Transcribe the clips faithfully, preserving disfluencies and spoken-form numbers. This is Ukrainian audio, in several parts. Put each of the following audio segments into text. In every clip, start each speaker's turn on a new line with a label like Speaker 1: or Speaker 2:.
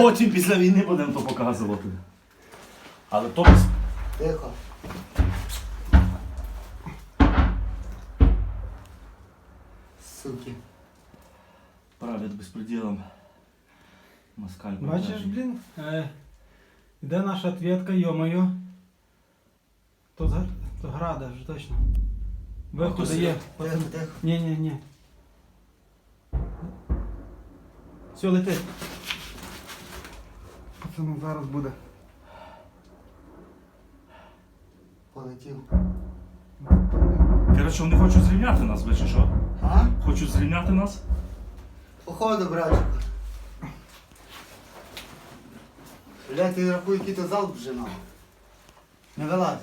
Speaker 1: Потім після війни будемо то показувати. Але то без...
Speaker 2: Тихо. Суки.
Speaker 1: Править безпреділом. Москаль.
Speaker 3: Бачиш,
Speaker 1: продажний.
Speaker 3: блін, е, де наша ответка, йо-моє. То, з- то града вже точно. Виходу
Speaker 1: то
Speaker 3: є.
Speaker 2: Тихо, тихо.
Speaker 3: Ні, ні, ні. Все, летить. Пацану зараз буде.
Speaker 2: Полетів.
Speaker 1: Коротше, вони хочуть зрівняти нас, ви чи що?
Speaker 2: А?
Speaker 1: Хочуть зрівняти нас?
Speaker 2: Походу, братчику. Блядь, ти рахуй, який то залп вже нахуй. Не вилазь.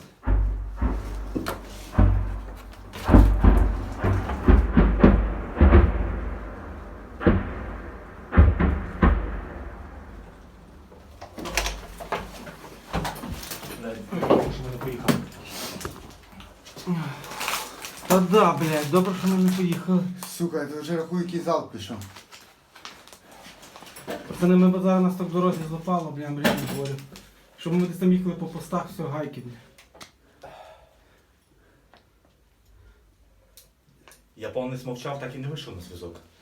Speaker 3: Та да, блядь, добре, що ми не поїхали.
Speaker 2: Сука, ти вже рахуй, який залп пішов.
Speaker 3: Пацани, ми б зараз нас так в дорозі злопало, блядь, блядь, не говорю. Щоб ми десь там їхали по постах, все, гайки, блядь.
Speaker 1: Японець мовчав, так і не вийшов на зв'язок.